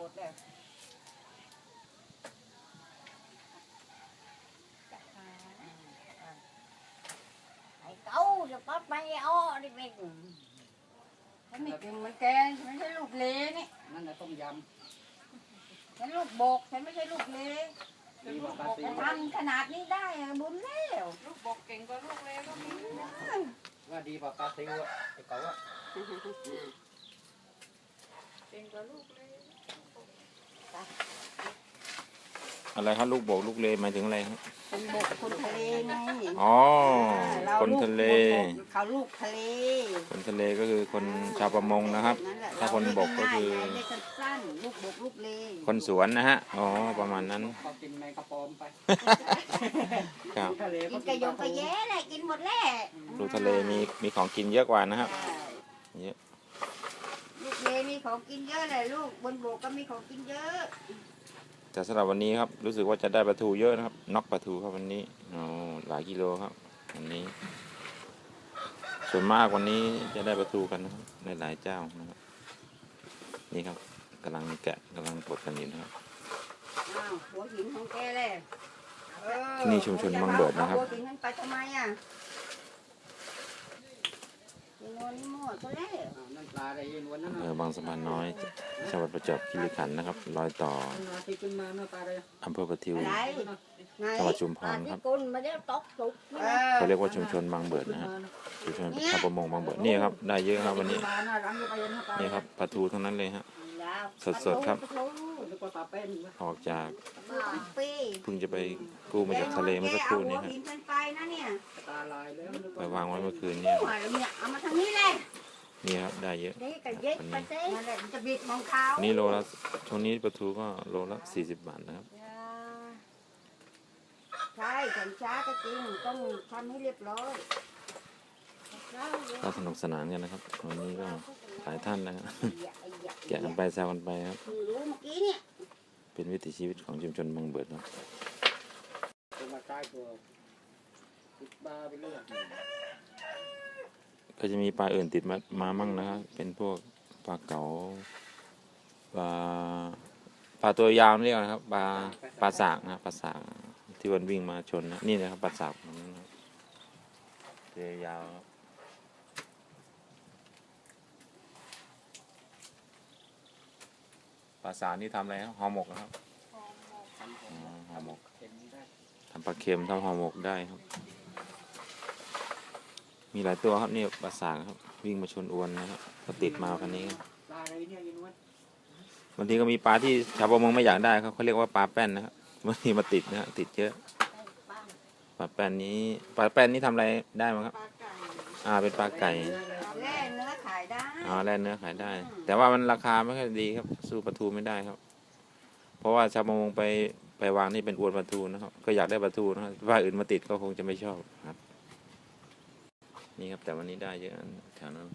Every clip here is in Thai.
ดแล้วไอ้เก้าจะปัดไปอ้อดิเบงฉันไม่เก่งเหมือนแกฉันไม่ใช่ลูกเลนี่นั่นน่ะต้มยำฉันลูกบกฉันไม่ใช่ลูกเลลูกบกจะทำขนาดนี้ได้บุญแล้วลูกบกเก่งกว่าลูกเลก็มีว่าดีกว่าปลาซิวอ่ะไอ้เก้าอ่ะเก่งกว่าลูกเลอะไรครับลูกบกลูกเลหมายถึงอะไรครับคนบกคนทะเลไงอ๋อคนทะเลเขาลูกทะเลคนทะเลก็คือคนชาวประมงนะครับถ้าคนบกก็คือสั้นลูกบกลูกเลคนสวนนะฮะอ๋อประมาณนั้นเขากินแมงกะปอมไปครับกินกระยงกระแย่แหละกินหมดแหละลูกทะเลมีของกินเยอะกว่านะครับเยอะลูกเลมีของกินเยอะเลยลูกบนบกก็มีของกินเยอะแต่สำหรับวันนี้ครับรู้สึกว่าจะได้ปลาทูเยอะนะครับน็อกปลาทูครับวันนี้หลายกิโลครับวันนี้ส่วนมากวันนี้จะได้ปลาทูกันนะครับในหลายเจ้านะครับนี่ครับกำลังแกะกำลังปลดกันอยู่นะครับหัวหินของแกเลยที่นี่ชุมชนบางเบิดนะครับหัวหินนั้นไปทำไมอ่ะนี่หมดก็แล้วนั่นปลาอะไรยินวันนั้นบางสะพานน้อยจังหวัดประจวบคีรีขันธ์นะครับรอยต่ออำเภอประทิวจังหวัดชุมพรครับเขาเรียกว่าชุมชนบางเบิดนะฮะชุมชนชาวประมงบางเบิดนี่ครับได้เยอะครับวันนี้นี่ครับปลาทูทั้งนั้นเลยฮะสดๆครับออกจากเพิ่งจะไปกู้มาจากทะเลเมื่อสักครู่นี้ฮะไปวางไว้เมื่อคืนนี้เอามาทางนี้เลยนี่ครับได้เยอะวันนี้โลละช่วงนี้ปลาทูก็โลละ40 บาทนะครับใช่ฉันช้าก็จริงต้องทำให้เรียบร้อยก็สนุกสนานกันนะครับวันนี้ก็หลายท่านนะครับแกะกันไปแซวกันไปครับเป็นวิถีชีวิตของชุมชนบางเบิดครับก็จะมีปลาอื่นติดมามั่งนะครับเป็นพวกปลาเก๋าปลาตัวยาวเรียกนะครับปลาสากนะปลาสากที่วันวิ่งมาชนนะนี่นะครับปลาสากตัวยาวปลาสากนี่ทำอะไรครับห่อหมกนะครับห่อหมกทำปลาเค็มทำห่อหมกได้ครับมีหลายตัวครับนี่ปลาสากครับวิ่งมาชนอวนนะครับก็ติดมาคันนี้บางทีก็มีปลาที่ชาวประมงไม่อยากได้ครับเขาเรียกว่าปลาแป้นนะครับบางทีมาติดนะติดเยอะปลาแป้นนี้ทำอะไรได้มั้งครับเป็นปลาไก่แล่เนื้อขายได้แล่เนื้อขายได้แต่ว่ามันราคาไม่ค่อยดีครับสู้ปลาทูไม่ได้ครับเพราะว่าชาวประมงไปวางนี่เป็นอวนปลาทูนะครับก็อยากได้ปลาทูนะครับว่าอื่นมาติดก็คงจะไม่ชอบครับนี่ครับแต่วันนี้ได้เยอะแถวนั้น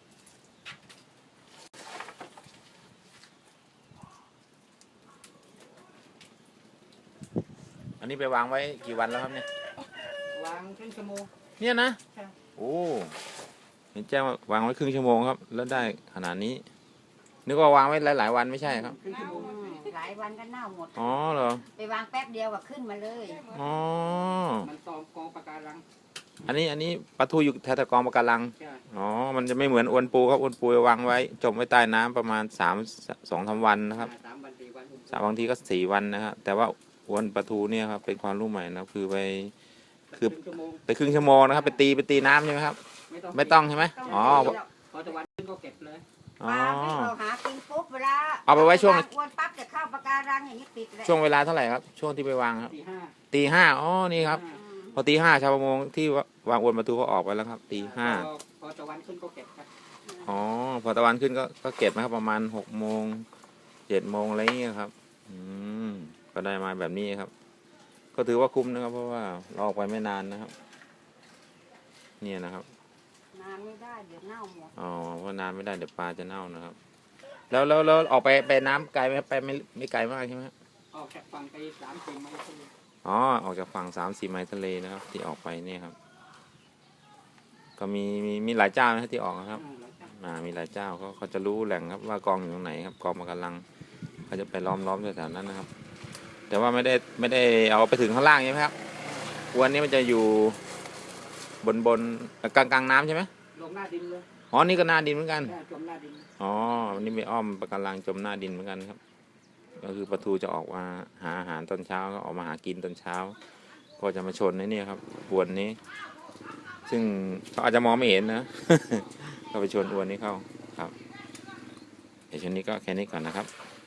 อันนี้ไปวางไว้กี่วันแล้วครับเนี่ยวางครึ่งชั่วโมงเนี่ยนะโอ้เห็นแจ้งว่าวางไว้ครึ่งชั่วโมงครับแล้วได้ขนาดนี้นึกว่าวางไว้หลายวันไม่ใช่ครับหลายวันก็เน่าหมดอ๋อเหรอไปวางแป๊บเดียวก็ขึ้นมาเลยอ๋อมันตอมกองปะการังอันนี้ปลาทูอยู่แถวกองปะการังอ๋อมันจะไม่เหมือนอวนปูครับอวนปูวางไว้จมไว้ใต้น้ำประมาณ2-3 วันนะครับบางทีก็4 วันนะครับแต่ว่าอวนปลาทูเนี่ยครับเป็นความรู้ใหม่นะคือไปครึ่งชั่วโมงนะครับไปตีน้ำใช่ไหมครับไม่ต้องใช่ไหมอ๋อพอตะวันขึ้นก็เก็บเลยปลาไม่เอาหากินปุ๊บเวลาเอาไปไว้ช่วงอวนปั๊บจะเข้าปะการังอย่างนี้ปิดเลยช่วงเวลาเท่าไหร่ครับช่วงที่ไปวางครับตี 5อ๋อนี่ครับพอตี 5ชาวประมงที่วางอวนปลาทูก็ออกไปแล้วครับตี 5 พอตะวันขึ้นก็เก็บครับอ๋อพอตะวันขึ้นก็เก็บนะครับประมาณ6 โมง7 โมงอะไรอย่างเงี้ยครับก็ได้มาแบบนี้ครับก็ถือว่าคุ้มนะครับเพราะว่าเราออกไปไม่นานนะครับเนี่ยนะครับนานไม่ได้เดี๋ยวเน่าหมดเพราะนานไม่ได้เดี๋ยวปลาจะเน่านะครับแล้วออกไปน้ำไกลไหมไปไม่ไกลมากใช่ไหมออกจากฝั่งไป3-4 ไมล์ทะเลออกจากฝั่ง3-4 ไมล์ทะเลนะครับที่ออกไปเนี่ยครับก็มีหลายเจ้านะที่ออกนะครับมีหลายเจ้าเขาจะรู้แหล่งครับว่ากองอยู่ตรงไหนครับกองปะการังเขาจะไปล้อมแถวๆนั้นนะครับ แต่ว่าไม่ได้เอาไปถึงข้างล่างใช่ไหมครับอวนนี้มันจะอยู่บนกลางน้ำใช่ไหมลงหน้าดินเลยอ๋อนี่ก็หน้าดินเหมือนกันจมหน้าดินอ๋อวันนี้ไปอ้อมปะการังจมหน้าดินเหมือนกันครับ ก็คือปลาทูจะออกมาหาอาหารตอนเช้าก็ออกมาหากินตอนเช้า ก็จะมาชนในนี่ครับอวนนี้ ซึ่งเขาอาจจะมองไม่เห็นนะ ก็ไปชนอวนนี้เข้าครับเดี๋ยวช่วงนี้ก็แค่นี้ก่อนนะครับ